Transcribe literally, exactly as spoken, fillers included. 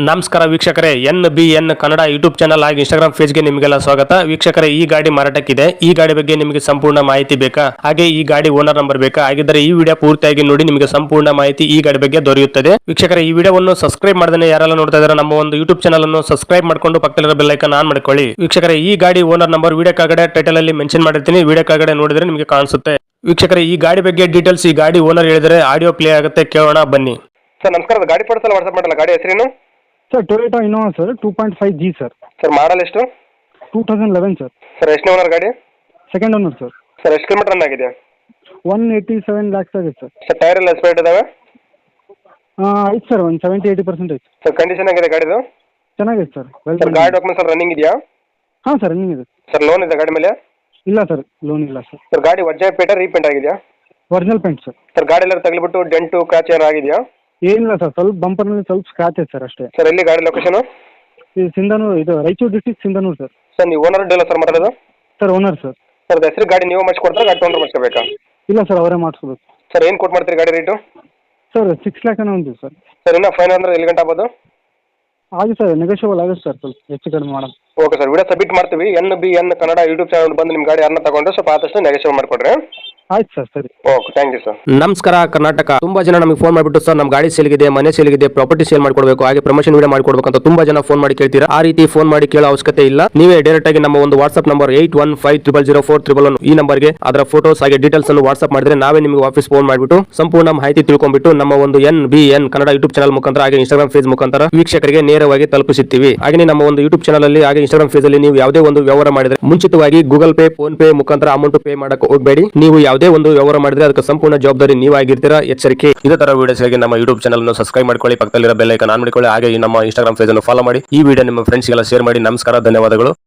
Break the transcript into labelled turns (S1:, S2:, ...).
S1: ನಮಸ್ಕಾರ ವೀಕ್ಷಕರೇ, N B N Kannada YouTube channel ಹಾಗೂ ಇನ್ಸ್ಟಾಗ್ರಾಮ್ ಪೇಜ್ಗೆ ನಿಮಗೆಲ್ಲ ಸ್ವಾಗತ. ವೀಕ್ಷಕರೇ, ಈ ಗಾಡಿ ಮಾರಾಟಕ್ಕಿದೆ. ಈ ಗಾಡಿ ಬಗ್ಗೆ ನಿಮಗೆ ಸಂಪೂರ್ಣ ಮಾಹಿತಿ ಬೇಕಾ, ಹಾಗೆ ಈ ಗಾಡಿ ಓನರ್ ನಂಬರ್ ಬೇಕಾ? ಹಾಗಿದ್ದರೆ ಈ ವಿಡಿಯೋ ಪೂರ್ತಿಯಾಗಿ ನೋಡಿ, ನಿಮಗೆ ಸಂಪೂರ್ಣ ಮಾಹಿತಿ ಈ ಗಾಡಿ ಬಗ್ಗೆ ದೊರೆಯುತ್ತದೆ. ವೀಕ್ಷಕರೇ, ಈ ವಿಡಿಯೋವನ್ನು ಸಬ್ಸ್ಕ್ರೈಬ್ ಮಾಡದೇ ಯಾರೆಲ್ಲ ನೋಡ್ತಾ ಇದ್ದಾರೆ ನಮ್ಮ ಒಂದು ಯೂಟ್ಯೂಬ್ ಚಾನಲ್ ಅನ್ನು ಸಬ್ಸ್ಕ್ರೈಬ್ ಮಾಡಿಕೊಂಡು ಪಕ್ಕದಲ್ಲಿರೋ ಬೆಲ್ ಐಕಾನ್ ಆನ್ ಮಾಡ್ಕೊಳ್ಳಿ. ವೀಕ್ಷಕರೇ, ಈ ಗಾಡಿ ಓನರ್ ನಂಬರ್ ವಿಡಿಯೋ ಕೆಳಗಡೆ ಟೈಟಲ್ ಅಲ್ಲಿ ಮೆನ್ಷನ್ ಮಾಡಿರ್ತೀನಿ, ವಿಡಿಯೋ ಕೆಳಗಡೆ ನೋಡಿದ್ರೆ ನಿಮಗೆ ಕಾಣಿಸುತ್ತೆ. ವೀಕ್ಷಕರೇ, ಈ ಗಾಡಿ ಬಗ್ಗೆ ಡೀಟೇಲ್ಸ್ ಈ ಗಾಡಿ ಓನರ್ ಹೇಳಿದರೆ ಆಡಿಯೋ ಪ್ಲೇ ಆಗುತ್ತೆ, ಕೇಳೋಣ ಬನ್ನಿ.
S2: ಸರ್ ನಮಸ್ಕಾರ, ಗಾಡಿ ಫೋಟೋಸ್ ವಾಟ್ಸಪ್ ಮಾಡಲ್ಲ, ಗಾಡಿ ಹೆಸರೇನು?
S3: Sir Toyota Innova sir, two point five G sir.
S2: Sir model ಎಷ್ಟು?
S3: Two thousand eleven sir.
S2: Sir ಎಷ್ಟನೇ ಓನರ್ ಗಾಡಿ?
S3: Second owner sir.
S2: ಸರ್ ಎಷ್ಟು ಕಿಲೋಮೀಟರ್ ರನ್ ಆಗಿದೆ?
S3: ಒನ್ ಏಯ್ಟಿ ಸೆವೆನ್ ಲ್ಯಾಕ್ಸ್ ಆಗಿದೆ ಸರ್.
S2: ಸರ್ ಟೈರ್ ಎಲ್ಲ ಎಸ್ಪೇಟ್ ಇದಾವೆ?
S3: ಐತೆ ಸರ್, ಒಂದು ಸೆವೆಂಟಿ ಏಯ್ಟಿ ಪರ್ಸೆಂಟ್ ಐತೆ.
S2: ಸರ್ ಕಂಡೀಷನ್ ಆಗಿದೆ ಗಾಡಿದು?
S3: ಚೆನ್ನಾಗಿದೆ ಸರ್. ವೆಲ್
S2: ಸರ್ ಗಾಡಿ ಡಾಕ್ಯುಮೆಂಟ್ಸ್ ಎಲ್ಲ ರನ್ನಿಂಗ್ ಇದೆಯಾ?
S3: ಹಾಂ ಸರ್, ರನ್ನಿಂಗ್ ಇದೆ.
S2: ಸರ್ ಲೋನ್ ಇದೆ ಗಾಡಿ ಮೇಲೆ?
S3: ಇಲ್ಲ ಸರ್, ಲೋನ್ ಇಲ್ಲ ಸರ್.
S2: ಸರ್ ಗಾಡಿ ಒರ್ಜಿನಲ್ ಪೇಟ ರೀಪೇಂಟ್ ಆಗಿದೆಯಾ?
S3: Original paint sir.
S2: ಸರ್ ಗಾಡಿ ಎಲ್ಲ ತಗಲಿಬಿಟ್ಟು ಡೆಂಟು ಕ್ರಾಚ್ ಏನಾರು ಆಗಿದೆಯಾ?
S3: ಏನಿಲ್ಲ ಸರ್, ಸ್ವಲ್ಪ ಬಂಪರ್ನಲ್ಲಿ ಸ್ವಲ್ಪ ಸ್ಕ್ರಾಚ್ ಐತೆ ಸರ್ ಅಷ್ಟೇ.
S2: ಸರ್ ಎಲ್ಲಿ ಗಾಡಿ ಲೊಕೇಶನ್?
S3: ಇದು ಸಿಂಧನೂರು, ಇದು Raichur district Sindhanur sir.
S2: Sir ನೀವು ಓನರ್ ಡೀಲರ್ ಸರ್ ಮಾತಾಡೋದು?
S3: Sir owner sir.
S2: ಸರ್ ಹೆಸರು ಗಾಡಿ ನೀವು ಮಾಡಿಸ್ಕೊಡ್ತಾರೆ, ಗಾಡಿ ತೊಗೊಂಡ್ರೆ ಮಾಡಿಸ್ಕೋಬೇಕಾ?
S3: ಇಲ್ಲ ಸರ್, ಅವರೇ ಮಾಡಿಸ್ಕೋಬೇಕು.
S2: ಸರ್ ಏನು ಕೊಟ್ಟು ಮಾಡ್ತೀರಿ ಗಾಡಿ ರೇಟು?
S3: ಸರ್ ಸಿಕ್ಸ್ ಲ್ಯಾಕ್ ಏನೋ ಒಂದು ಸರ್.
S2: ಸರ್ ಇನ್ನೂ ಫೈನ್ ಅಂದ್ರೆ ಎಲ್ಲಿ ಗಂಟೆ ಆಗ್ಬೋದು?
S3: ಆಗಿ ಸರ್, ನೆಗೋಷಿಯಬಲ್ ಆಗುತ್ತೆ ಸರ್, ಸ್ವಲ್ಪ ಹೆಚ್ಚು ಕಡಿಮೆ ಮಾಡೋಣ.
S2: ಓಕೆ ಸರ್, ವಿಡಿಯೋ ಸಬ್ಮಿಟ್ ಮಾಡ್ತೀವಿ. N B N Kannada YouTube channel ಬಂದು ನಿಮ್ಮ ಗಾಡಿ ಯಾರನ್ನ ತಗೊಂಡ್ರೆ ಸ್ವಲ್ಪ ಆದಷ್ಟು ನೆಗೋಷಿಯೇಟ್ ಮಾಡಿಕೊಡ್ರಿ.
S3: ಆಯ್ತು ಸರ್, ಸರಿ.
S2: Okay, thank you sir.
S1: ನಮಸ್ಕಾರ ಕರ್ನಾಟಕ. ತುಂಬಾ ಜನ ನಮಗೆ ಫೋನ್ ಮಾಡಿಬಿಟ್ಟು ಸರ್ ನಮ್ಮ ಗಾಡಿ ಸೇಲ್ಗಿದೆ, ಮನೆ ಸೇಲ್ಗಿದೆ, ಪ್ರಾಪರ್ಟಿ ಸೇಲ್ ಮಾಡ್ಕೊಡ್ಬೇಕು, ಹಾಗೆ ಪ್ರಮೋಷನ್ ವಿಡಿಯೋ ಮಾಡ್ಕೊಡ್ಬೇಕು ಅಂತ ತುಂಬಾ ಜನ ಫೋನ್ ಮಾಡಿ ಕೇಳ್ತೀರಾ. ಆ ರೀತಿ ಫೋನ್ ಮಾಡಿ ಕೇಳೋ ಅವಶ್ಯಕತೆ ಇಲ್ಲ. ನೀವೇ ಡೈರೆಕ್ಟ್ ಆಗಿ ನಮ್ಮ ಒಂದು WhatsApp number eight one five triple zero four triple one ಈ ನಂಬರ್ಗೆ ಅದರ ಫೋಟೋಸ್ ಹಾಗೆ ಡೀಟೇಲ್ಸ್ ಅನ್ನು ವಾಟ್ಸ್ಆಪ್ ಮಾಡಿದ್ರೆ ನಾವೇ ನಿಮಗೆ ವಾಪಸ್ ಫೋನ್ ಮಾಡಿಬಿಟ್ಟು ಸಂಪೂರ್ಣ ಮಾಹಿತಿ ತಿಳ್ಕೊಂಡ್ಬಿಟ್ಟು ನಮ್ಮ ಒಂದು N B N Kannada YouTube channel ಮುಖಾಂತರ ಹಾಗೆ ಇನ್ಸ್ಟಾಗ್ರಾಮ್ ಫೇಸ್ ಮುಖಾಂತರ ವೀಕ್ಷಕರಿಗೆ ನೇರವಾಗಿ ತಲುಪಿಸುತ್ತೀವಿ. ಹಾಗೆ ನಮ್ಮ ಒಂದು ಯೂಟ್ಯೂಬ್ ಚಾನಲ್ ಅಲ್ಲಿ ಹಾಗೆ ಇನ್ಸ್ಟಾಗ್ರಾಮ್ ಫೇಸ್ ಅಲ್ಲಿ ನೀವು ಯಾವುದೇ ಒಂದು ವ್ಯವಹಾರ ಮಾಡಿದ್ರೆ ಮುಂಚಿತವಾಗಿ ಗೂಗಲ್ ಪೇ, ಫೋನ್ ಪೇ ಮುಖಾಂತರ ಅಮೌಂಟ್ ಪೇ ಮಾಡಕ್ಕೆ ಹೋಗಬೇಡಿ. ನೀವು ಯಾವುದೇ ಒಂದು ವ್ಯವಹಾರ ಮಾಡಿದ್ರೆ ಅದಕ್ಕೆ ಸಂಪೂರ್ಣ ಜವಾಬ್ದಾರಿ ನೀವಾಗಿರ್ತೀರಾ, ಎಚ್ಚರಿಕೆ. ಇದೇ ತರ ವಿಡಿಯೋಸ್ಗೆ ನಮ್ಮ ಯೂಟ್ಯೂಬ್ ಚಾನಲ್ ಅನ್ನು ಸಬ್ಸ್ಕ್ರೈಬ್ ಮಾಡ್ಕೊಳ್ಳಿ, ಪಕ್ಕದಲ್ಲಿರೋ ಬೆಲ್ ಐಕಾನ್ ಆನ್ ಮಾಡಿಕೊಳ್ಳಿ, ಹಾಗೆ ನಮ್ಮ ಇನ್ಸ್ಟಾಗ್ರಾಮ್ ಪೇಜ್ ಅನ್ನು ಫಾಲೋ ಮಾಡಿ. ಈ ವಿಡಿಯೋ ನಿಮ್ಮ ಫ್ರೆಂಡ್ಸ್ಗೆಲ್ಲ ಶೇರ್ ಮಾಡಿ. ನಮಸ್ಕಾರ, ಧನ್ಯವಾದಗಳು.